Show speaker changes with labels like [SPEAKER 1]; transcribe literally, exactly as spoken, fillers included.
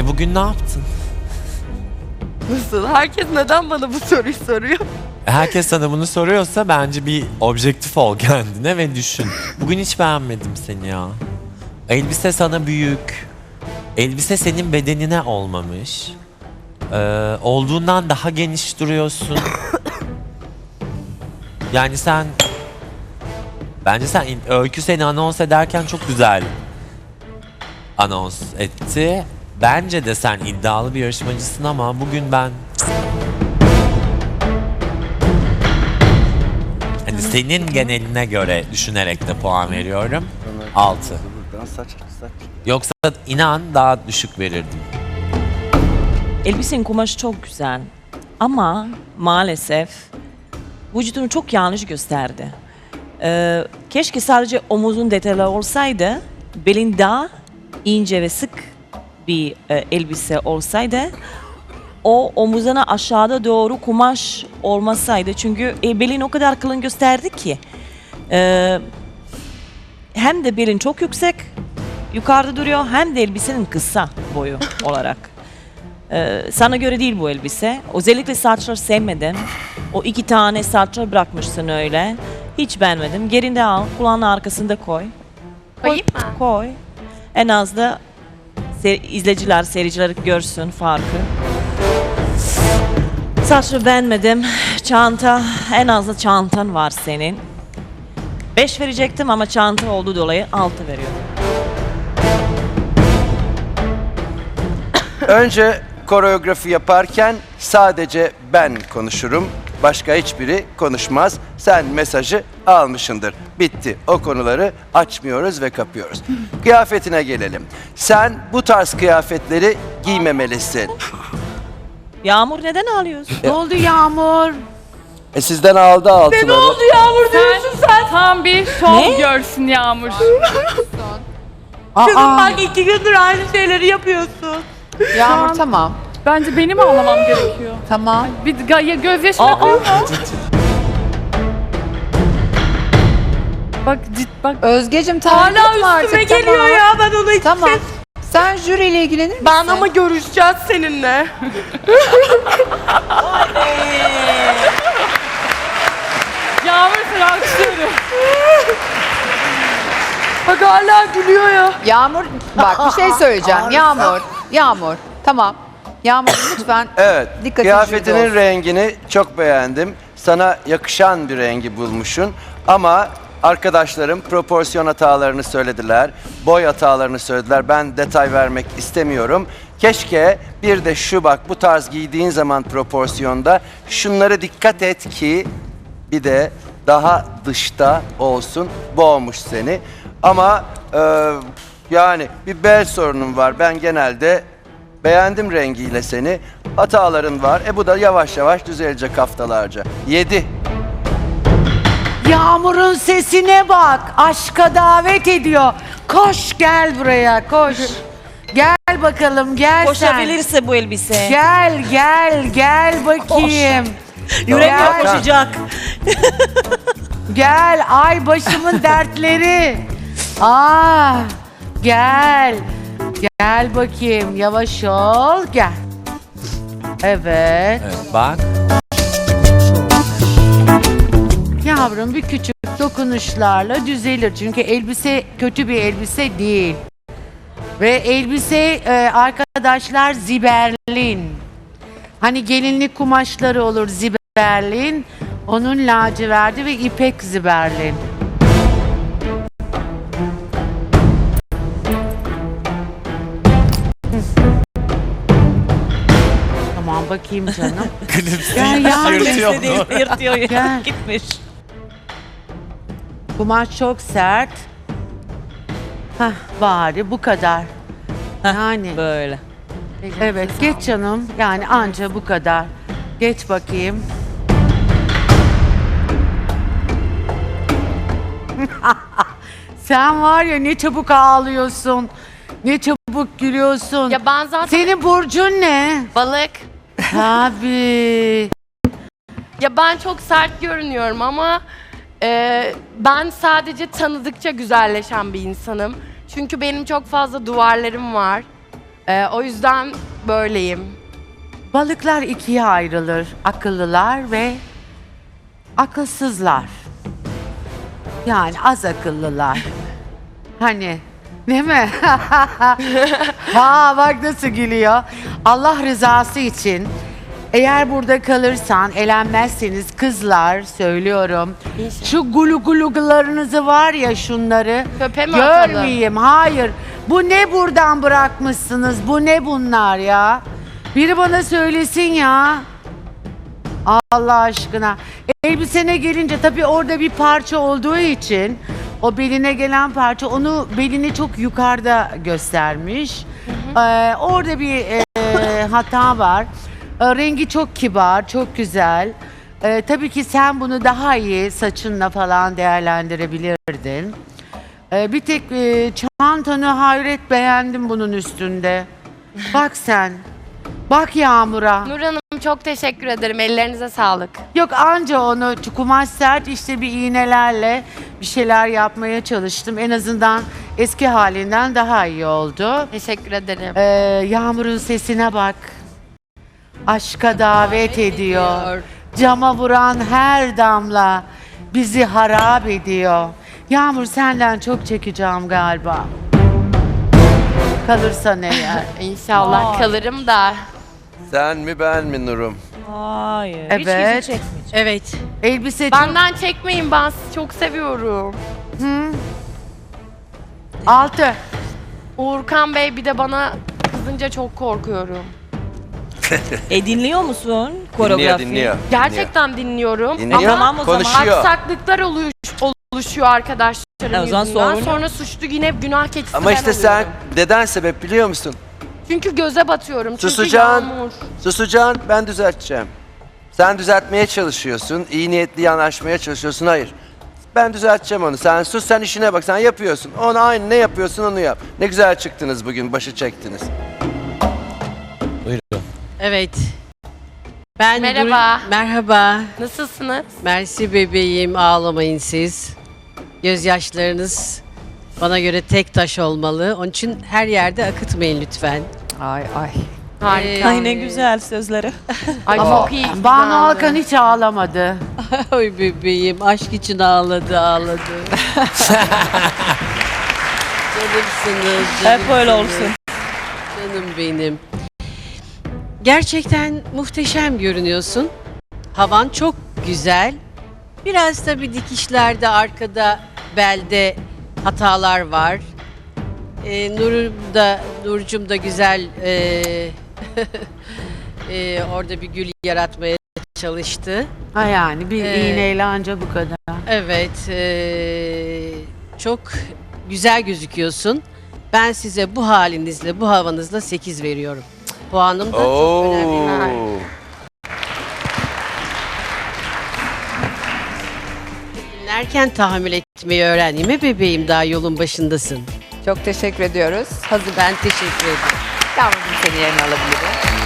[SPEAKER 1] E bugün ne yaptın?
[SPEAKER 2] Nasıl? Herkes neden bana bu soruyu soruyor?
[SPEAKER 1] Herkes sana bunu soruyorsa bence bir objektif ol kendine ve düşün. Bugün hiç beğenmedim seni ya. Elbise sana büyük. Elbise senin bedenine olmamış. Ee, olduğundan daha geniş duruyorsun. Yani sen... Bence sen Öykü seni anons ederken çok güzel anons etti. Bence de sen iddialı bir yarışmacısın ama bugün ben... Hani senin geneline göre düşünerek de puan veriyorum. altı.
[SPEAKER 3] Saç, saç.
[SPEAKER 1] Yoksa inan daha düşük verirdim.
[SPEAKER 4] Elbisenin kumaşı çok güzel ama maalesef vücudunu çok yanlış gösterdi. Ee, keşke sadece omuzun detaylı olsaydı, belin daha ince ve sık bir e, elbise olsaydı, o omuzuna aşağıda doğru kumaş olmasaydı. Çünkü e, belin o kadar kalın gösterdi ki. Ee, hem de belin çok yüksek, yukarıda duruyor, hem de elbisenin kısa boyu olarak. Ee, sana göre değil bu elbise. Özellikle saçları sevmedim. O iki tane saçlar bırakmışsın öyle. Hiç beğenmedim. Gerinde al, kulağının arkasında koy.
[SPEAKER 2] Koyayım mı?
[SPEAKER 4] Koy. En az da se- izleyiciler, seyirciler görsün farkı. Saçları beğenmedim. Çanta, en az da çantan var senin. Beş verecektim ama çanta olduğu dolayı altı veriyorum.
[SPEAKER 3] Önce koreografi yaparken sadece ben konuşurum. Başka hiçbiri konuşmaz. Sen mesajı almışındır. Bitti. O konuları açmıyoruz ve kapıyoruz. Kıyafetine gelelim. Sen bu tarz kıyafetleri giymemelisin.
[SPEAKER 4] Yağmur neden ağlıyorsun?
[SPEAKER 5] Ne oldu Yağmur?
[SPEAKER 3] E sizden aldı altıları.
[SPEAKER 2] Ne oldu Yağmur diyorsun sen?
[SPEAKER 6] Tam bir şov
[SPEAKER 4] Ne?
[SPEAKER 6] görsün Yağmur.
[SPEAKER 2] Kızım bak iki gündür aynı şeyleri yapıyorsun.
[SPEAKER 5] Yağmur tamam.
[SPEAKER 6] Bence benim ağlamam gerekiyor.
[SPEAKER 5] Tamam.
[SPEAKER 6] Bir ga- ya gözyaşı
[SPEAKER 4] Aa,
[SPEAKER 6] yapıyor mu? Bak cid bak.
[SPEAKER 5] Özgecim tamam.
[SPEAKER 2] Hala üstüme geliyor
[SPEAKER 5] tamam.
[SPEAKER 2] ya, ben onu hiç
[SPEAKER 5] Tamam. Sen jüriyle ilgilenir misin?
[SPEAKER 2] Ben ama görüşeceğiz seninle.
[SPEAKER 6] Yağmur seni alkışlıyorum.
[SPEAKER 2] Bak hala gülüyor ya.
[SPEAKER 5] Yağmur bak bir şey söyleyeceğim. Yağmur. Yağmur. Tamam. Yağmur lütfen
[SPEAKER 3] Evet.
[SPEAKER 5] dikkatli
[SPEAKER 3] Kıyafetinin
[SPEAKER 5] jüride olsun.
[SPEAKER 3] rengini çok beğendim. Sana yakışan bir rengi bulmuşsun. Ama arkadaşlarım proporsiyon hatalarını söylediler. Boy hatalarını söylediler. Ben detay vermek istemiyorum. Keşke bir de şu bak bu tarz giydiğin zaman proporsiyonda şunları dikkat et ki bir de daha dışta olsun. Boğmuş seni. Ama e, yani bir bel sorunun var. Ben genelde beğendim rengiyle seni. Hataların var. E bu da yavaş yavaş düzelecek haftalarca. Yedi.
[SPEAKER 7] Yağmur'un sesine bak. Aşka davet ediyor. Koş gel buraya koş. Gel bakalım gel sen.
[SPEAKER 4] Koşabilirse bu elbise.
[SPEAKER 7] Gel gel gel bakayım.
[SPEAKER 4] Yüreğim
[SPEAKER 7] Gel.
[SPEAKER 4] koşacak.
[SPEAKER 7] Gel ay başımın dertleri. Ah gel. Gel bakayım yavaş ol gel. Evet.
[SPEAKER 1] Evet, bak.
[SPEAKER 7] Yavrum bir küçük dokunuşlarla düzelir. Çünkü elbise kötü bir elbise değil. Ve elbise e, arkadaşlar ziberlin. Hani gelinlik kumaşları olur ziberlin. Onun laciverdi ve ipek ziberlin. Tamam bakayım canım. Gel yavrum.
[SPEAKER 1] Yırtıyor
[SPEAKER 4] Elbise değil,
[SPEAKER 1] onu.
[SPEAKER 4] yırtıyor ya.
[SPEAKER 7] Gel.
[SPEAKER 4] Gitmiş.
[SPEAKER 7] Kumaş çok sert. Hah bari bu kadar. Yani
[SPEAKER 4] Böyle.
[SPEAKER 7] evet geç canım. Yani anca bu kadar. Geç bakayım. Sen var ya ne çabuk ağlıyorsun. Ne çabuk gülüyorsun.
[SPEAKER 2] Ya ben zaten
[SPEAKER 7] Senin burcun ne?
[SPEAKER 2] balık.
[SPEAKER 7] Tabii.
[SPEAKER 2] Ya ben çok sert görünüyorum ama e, ben sadece tanıdıkça güzelleşen bir insanım. Çünkü benim çok fazla duvarlarım var. Ee, o yüzden böyleyim.
[SPEAKER 7] Balıklar ikiye ayrılır. Akıllılar ve akılsızlar. Yani az akıllılar. Hani değil mi? Ha bak nasıl gülüyor. Allah rızası için eğer burada kalırsan, elenmezseniz kızlar söylüyorum.
[SPEAKER 2] İnşallah.
[SPEAKER 7] Şu gulu gulularınızı var ya şunları
[SPEAKER 2] Çöpe mi atalım?
[SPEAKER 7] görmeyeyim. Hayır. Bu ne buradan bırakmışsınız? Bu ne bunlar ya? Biri bana söylesin ya. Allah aşkına. Elbisene gelince tabii orada bir parça olduğu için o beline gelen parça onu belini çok yukarıda göstermiş. Ee, orada bir e, hata var. Ee, rengi çok kibar, çok güzel. Ee, tabii ki sen bunu daha iyi saçınla falan değerlendirebilirdin. Ee, bir tek e, çantanı hayret beğendim bunun üstünde. Bak sen. Bak Yağmur'a.
[SPEAKER 2] Nur Hanım çok teşekkür ederim. Ellerinize sağlık.
[SPEAKER 7] Yok anca onu kumaş sert işte bir iğnelerle bir şeyler yapmaya çalıştım. En azından eski halinden daha iyi oldu.
[SPEAKER 2] Teşekkür ederim.
[SPEAKER 7] Ee, Yağmur'un sesine bak. Aşka davet ediyor. Cama vuran her damla bizi harap ediyor. Yağmur senden çok çekeceğim galiba. Kalırsan eğer.
[SPEAKER 2] İnşallah kalırım da.
[SPEAKER 3] Sen mi ben mi Nurum?
[SPEAKER 4] Hayır.
[SPEAKER 7] Evet.
[SPEAKER 4] Hiç bizi çekmeyecek.
[SPEAKER 8] Evet.
[SPEAKER 7] Elbise çok...
[SPEAKER 2] Benden çekmeyin, ben sizi çok seviyorum.
[SPEAKER 7] Altı.
[SPEAKER 2] Uğurkan Bey bir de bana kızınca çok korkuyorum.
[SPEAKER 4] E dinliyor musun
[SPEAKER 3] Dinliyor,
[SPEAKER 4] koreografi?
[SPEAKER 3] dinliyor.
[SPEAKER 2] Gerçekten dinliyorum.
[SPEAKER 3] Dinliyor.
[SPEAKER 2] Ama
[SPEAKER 4] Tamam o zaman.
[SPEAKER 3] Konuşuyor.
[SPEAKER 2] aksaklıklar oluş, oluşuyor arkadaşlarım
[SPEAKER 4] E, o zaman
[SPEAKER 2] yüzünden.
[SPEAKER 4] sorun.
[SPEAKER 2] Sonra suçlu yine günah keçisi
[SPEAKER 3] Ama
[SPEAKER 2] ben
[SPEAKER 3] işte sen
[SPEAKER 2] oluyorum.
[SPEAKER 3] neden sebep biliyor musun?
[SPEAKER 2] Çünkü göze batıyorum. Çünkü
[SPEAKER 3] Susacaksın.
[SPEAKER 2] yağmur.
[SPEAKER 3] Susacaksın, ben düzelteceğim. Sen düzeltmeye çalışıyorsun, iyi niyetli yanaşmaya çalışıyorsun. Hayır. Ben düzelteceğim onu. Sen sus, sen işine bak. Sen yapıyorsun. Onu aynı ne yapıyorsun onu yap. Ne güzel çıktınız bugün, başı çektiniz.
[SPEAKER 1] Buyurun.
[SPEAKER 8] Evet. Ben
[SPEAKER 2] Merhaba.
[SPEAKER 8] Dur- Merhaba.
[SPEAKER 2] Nasılsınız?
[SPEAKER 8] Mersi bebeğim, ağlamayın siz. Gözyaşlarınız bana göre tek taş olmalı. Onun için her yerde akıtmayın lütfen.
[SPEAKER 5] Ay ay.
[SPEAKER 2] Harika.
[SPEAKER 4] Ay ne güzel sözleri.
[SPEAKER 2] Ay
[SPEAKER 7] Ama
[SPEAKER 2] çok iyi.
[SPEAKER 7] Banu
[SPEAKER 2] güzeldi.
[SPEAKER 7] Alkan hiç ağlamadı.
[SPEAKER 8] Oy bebeğim, aşk için ağladı, ağladı. Canımsınız,
[SPEAKER 4] Hep öyle
[SPEAKER 8] canımsınız.
[SPEAKER 4] olsun.
[SPEAKER 8] Canım benim. Gerçekten muhteşem görünüyorsun. Havan çok güzel. Biraz tabii dikişlerde, arkada, belde hatalar var. Ee, Nur'um da, Nurcum da güzel ee, ee, orada bir gül yaratmaya çalıştı.
[SPEAKER 7] Ha yani bir
[SPEAKER 8] Ee,
[SPEAKER 7] iğneyle anca bu kadar.
[SPEAKER 8] Evet, ee, çok güzel gözüküyorsun. Ben size bu halinizle, bu havanızla sekiz veriyorum. Puanım da çok önemli.
[SPEAKER 3] Oo.
[SPEAKER 8] Dinlerken tahammül etmeyi öğren. Değil mi bebeğim? Daha yolun başındasın.
[SPEAKER 5] Çok teşekkür ediyoruz. Hazır.
[SPEAKER 8] Ben teşekkür ederim.
[SPEAKER 5] Yavrum seni yerine alabilirim.